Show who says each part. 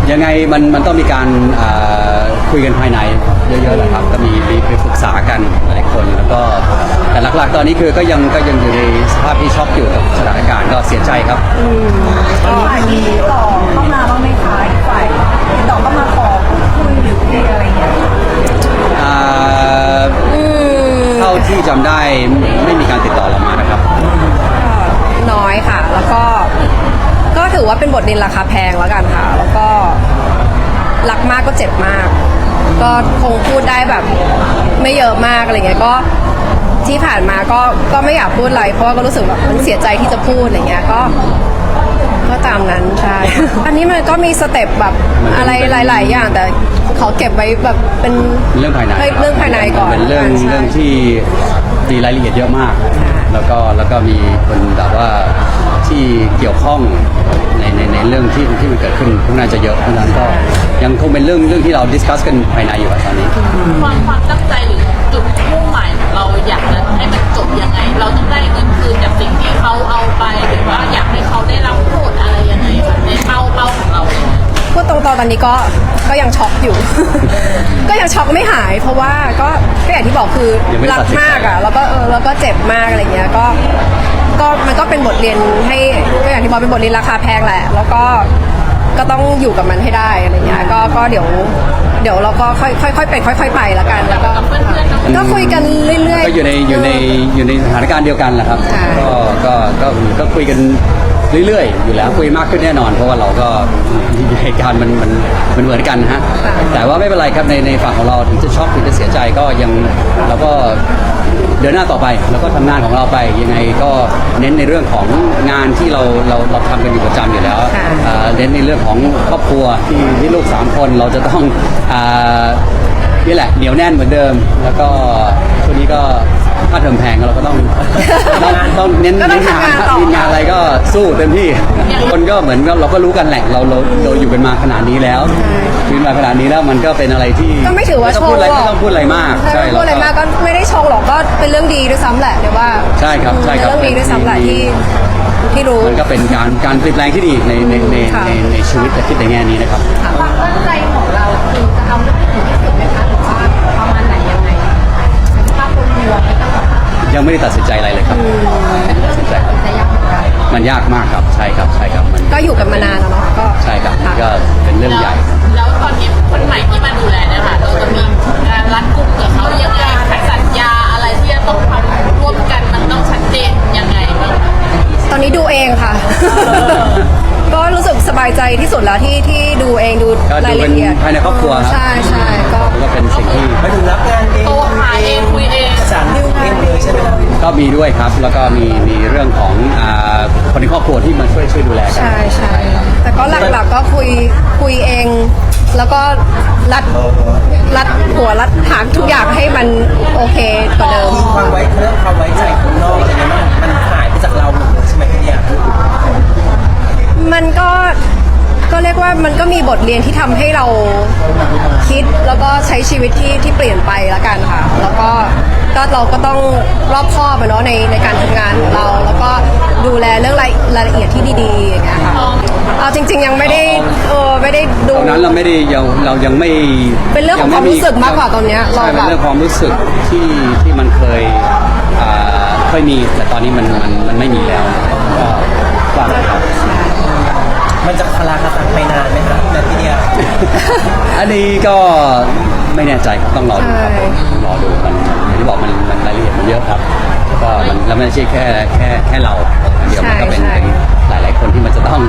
Speaker 1: ยังไงมันต้องมีการคุยกันภายในเยอะๆแหละครับก็มีปรึกษากันหลายคนแล้วก็แต่หลักๆตอนนี้คือก็ยังอยู่ในสภาพที่ช็อกอยู่กับสถานการณ์ก็เสียใจครับ
Speaker 2: ก็มีต่อเข้ามาบ้างไหมคะอีกฝ่ายติดต่อเข้ามาขอคุยหรือคุยอะไรเงี้ย
Speaker 1: เท่าที่จำได้ไม่มีการติดต่อเรามานะครับ
Speaker 3: น้อยค่ะ แล้วก็ถือว่าเป็นบทเรียนราคาแพงแล้วกันค่ะ แล้วก็รักมากก็เจ็บมาก ก็คงพูดได้แบบไม่เยอะมากอะไรเงี้ยก็ที่ผ่านมาก็ไม่อยากพูดอะไรเพราะว่าก็รู้สึกแบบมันเสียใจที่จะพูดอะไรเงี้ยก็ตามนั้นใช่ อันนี้มันก็มีสเต็ปแบบอะไรหลายๆอย่างแต่ขอเก็บไว้แบบเป็น
Speaker 1: เรื่องภายใน
Speaker 3: เรื่องภายในก่อน
Speaker 1: เป็นเรื่อง
Speaker 3: ใช่
Speaker 1: ที่มีรายละเอียดเยอะมาก แล้วก็มีคนแบบว่าที่เกี่ยวข้องในเรื่องที่มันเกิดขึ้นพวกน่าจะเยอะเพราะฉะนั้นก็ยังคงเป็นเรื่องที่เราดิสคัสกันภายในอยู่อะตอนนี้
Speaker 4: ความตั้งใจหรือจุดมุ่งหมายของเราอยากจะให้มันจบยังไง เราต้องได้เงินคืนจากสิ่งที่เขาเอาไปหรือว่าอยากให้เขาได้รับโทษอะไรยังไงคะในเป้าของเราเลย
Speaker 3: พูดตรงๆตอนนี้ก็ยังช็อกอยู่ ก็ยังช็อกไม่หาย เพราะว่าก็อย่างที่บอกคือ
Speaker 1: ยังไม่ได้
Speaker 3: รั
Speaker 1: ตัดสินใจ
Speaker 3: มากอ่ะแล้วก็เจ็บมากอะไรเงี้ยก็มันก็เป็นบทเรียนให้ก็อย่างที่บอกเป็นบทเรียนราคาแพงแหละ แล้วก็ต้องอยู่กับมันให้ได้อะไรเงี้ยก็เดี๋ยวเราก็ค่อยๆเป็นค่อยๆไปแล้วกันแล้วก็คุยกันเรื่อยๆ
Speaker 1: ก็อยู่ในสถานการณ์เดียวกันแหละครับ
Speaker 3: ใช่
Speaker 1: ก็คุยกันเรื่อยๆอยู่แล้วคุยมากขึ้นแน่นอน เพราะว่าเราก็เหตุการณ์มันเหมือนกันนะฮะแต่ว่าไม่เป็นไรครับในฝั่งของเราถึงจะช็อกถึงจะเสียใจก็ยังเราก็เดินหน้าต่อไปแล้วก็ทำงานของเราไปยังไงก็เน้นในเรื่องของงานที่เราทำกันอยู่ประจำอยู่แล้วเน้นในเรื่องของครอบครัวที่ลูก3 คนเราจะต้องนี่แหละเหนียวแน่นเหมือนเดิม แล้วก็ช่วงนี้ก็ค่าเทอมแพงเราก็ต้องเน้น
Speaker 3: ก็ต้อง
Speaker 1: งาน
Speaker 3: ทำงานต่อ
Speaker 1: มีงานอะไรก็สู้เต็มที่คนก็เหมือนกับเราก็รู้กันแหละเราอยู่กันมาขนาดนี้แล้วยืนมาขนาดนี้แล้วมันก็เป็นอะไรที่
Speaker 3: ก็ไม่ถือว่า
Speaker 1: ต้
Speaker 3: โช
Speaker 1: องพูด
Speaker 3: ว์
Speaker 1: อะไร
Speaker 3: หรอก
Speaker 1: ไม่ต้องพูดอะไรมาก
Speaker 3: ใช่ไม่พูดอะไรมากก็ไม่ได้โชว์หรอกก็เป็นเรื่องดีด้วยซ้ำแหละเดี๋ยวว่า
Speaker 1: ใช่ครับใช่ครับ
Speaker 3: เป็นเรื่องดีด้วยซ้ำแหละที่รู้
Speaker 1: มันก็เป็นการเปลี่ยนแปลงที่ดีในชีวิตแต่คิดในแง่นี้นะครับ
Speaker 2: ความตั้งใจของเราคือจะเอาเรื่องที่ถึงที่สุดไหมคะหรือว่าประมาณไหนยังไงภาพรวมๆไม่ต้องแบบ
Speaker 1: ยังไม่ได้ตัดสินใจอะไรเลยครับตัดสินใจครับ
Speaker 2: จะยากเหมือนกัน
Speaker 1: มันยากมากครับใช่ครับมัน
Speaker 3: ก็อยู่กันมานานแล้วเนาะก็
Speaker 1: ใช่ครับ
Speaker 3: ะ
Speaker 1: ก็เป็นเรื่องใหญ่
Speaker 4: แล้วตอนนี้คนใหม่ที่มาดูแลเนี่ยค่ะเราจะมีการรัดกุมกับเขายังไงสัญญาอะไรที่จะต้องทำร่วมกันมันต้องชัดเจนยังไงบ้าง
Speaker 3: ตอนนี้ดูเองค่ะ ก็รู้สึกสบายใจที่สุดแล้วที่ดูเองดู
Speaker 1: ก็ดู
Speaker 3: ราย
Speaker 1: เป็น
Speaker 3: ละเอียด
Speaker 1: ภายในครอบครัวครับ
Speaker 3: ใช่ก็
Speaker 1: ก็เป็นสิ่งที่
Speaker 5: ไปถึงรับงานเอง
Speaker 4: โทรหาเองคุยเอง
Speaker 5: สารดิวเองเลยใช่ไหมครับ
Speaker 1: ก็มีด้วยครับ แล้วก็มีเรื่องของคนในครอบครัวที่มาช่วยดูแลกัน
Speaker 3: ใช่แต่ก็หลักๆก็คุยเอง แล้วก็รัดหัวรัดหางทุกอย่างให้มันโอเคกว่าเดิม
Speaker 5: ความไว้เรื่องความไว้ใจคนนอกอะไรเงี้ยมันหายไปจากเราหมดเลยใช่ไหมพี่เนี่ย
Speaker 3: มันก็เรียกว่ามันก็มีบทเรียนที่ทำให้เราคิดแล้วก็ใช้ชีวิตที่เปลี่ยนไปละกันค่ะ แล้วก็เราก็ต้องรอบคอบอะเนาะในการทำงานของเรา แล้วก็ดูแลเรื่องรายละเอียดที่ดีๆอย่างเงี้ยค่ะเอาจริง ๆยังไม่ได้ดู
Speaker 1: ตอนนั้นเรายังไม่
Speaker 3: เป็นเรื่องของความรู้สึกมากกว่าตอนเนี้ย
Speaker 1: ใช่
Speaker 3: เราแบบ
Speaker 1: เป็นเรื่องความรู้สึกที่มันเคยมีแต่ตอนนี้มันไม่มีแล้วก็ว่าไปครับ
Speaker 5: มันจะคลาคาซังไปนานไหมครับแต่พี่เนี่ย
Speaker 1: อันนี้ก็ไม่แน่ใจครับต้องรอดูครับต้องรอดูมันอย่างที่บอกมันรายละเอียดมันเยอะครับแล้วก็มันไม่ใช่แค่เราเดียวมันก็เป็นหลายๆคนที่มันจะต้อง